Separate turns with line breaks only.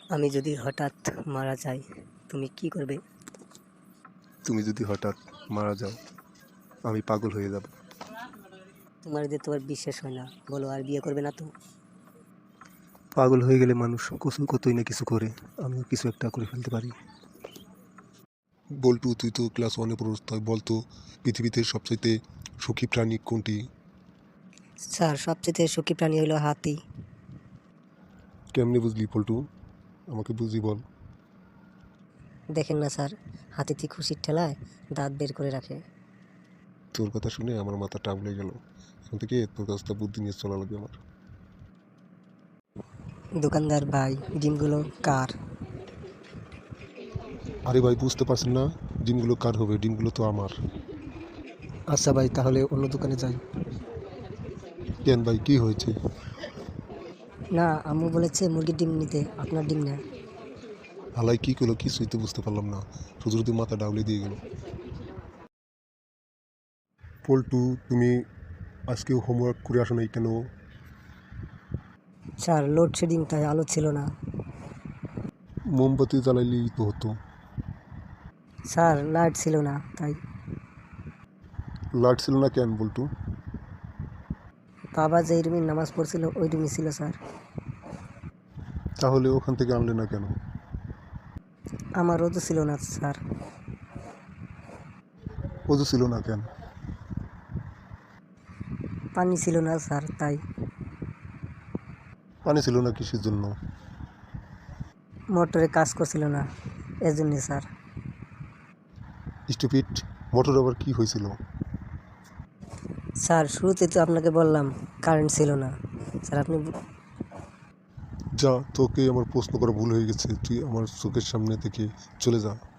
আমি যদি হঠাৎ মারা যাই, তুমি কি করবে?
তুমি যদি হঠাৎ মারা যাও, আমি পাগল হয়ে যাব।
তোমার বিশ্বাস হয় না, বলো আর বিয়ে করবে না তো?
পাগল হয়ে গেলে মানুষ কতই না কিছু করে, আমিও কিছু একটা করে ফেলতে পারি।
বল্টু, তুই তো ক্লাস ওয়ানে পড়স, তাই বলতো পৃথিবীতে সবচাইতে সুখী প্রাণী কোনটি?
স্যার, সবচেয়ে সুখী প্রাণী হলো হাতি।
কেমনে বুঝলি পল্টু? আমাকে বুঝি বল।
দেখেন না স্যার, হাতিটি খুশির ঠেলায় দাঁত বের করে রাখে।
তোর কথা শুনে আমার মাথা টাবলে গেল। এখন থেকে তোর কাছ থেকে বুদ্ধি নিয়ে চলা লাগবে আমার।
দোকানদার ভাই, ডিমগুলো কার?
আরে ভাই, বুঝতে পারছেন না? ডিমগুলো কার হবে? ডিমগুলো তো আমার।
আচ্ছা ভাই, তাহলে অন্য দোকানে যাই।
কেন ভাই, কি হয়েছে?
না, আম্মু বলেছে মুরগির ডিম নিতে, আপনার ডিম না।
হালাই কি করলো কিছুই তো বুঝতে পারলাম না, শুধু শুধু মাথা ডাউলে দিয়ে গেল। পল্টু, তুমি আজকে হোমওয়ার্ক করে আসো নাই কেন?
স্যার, লোডশেডিং, তাই আলো ছিল না।
মোমবাতি জ্বালাইলেই তো হতো।
স্যার, লাইট ছিল না তাই।
লাইট ছিল না কেন বল্টু?
বাবা যে রুমে নামাজ পড়ছিল ওই রুমে ছিল স্যার।
তাহলে ওখান থেকে আনলে না কেন?
আমার রোদও ছিল না স্যার।
ওজু ছিল না কেন?
পানি ছিল না স্যার তাই।
পানি ছিল না কিসের জন্য?
মোটরে কাজ করছিল না, এজন্য স্যার।
স্টুপিড, মোটর আবার কি হয়েছিল?
স্যার, শুরুতে তো আপনাকে বললাম কারেন্ট ছিল না। স্যার আপনি
যা, তোকে আমার প্রশ্ন করা ভুল হয়ে গেছে, তুই আমার চোখের সামনে থেকে চলে যা।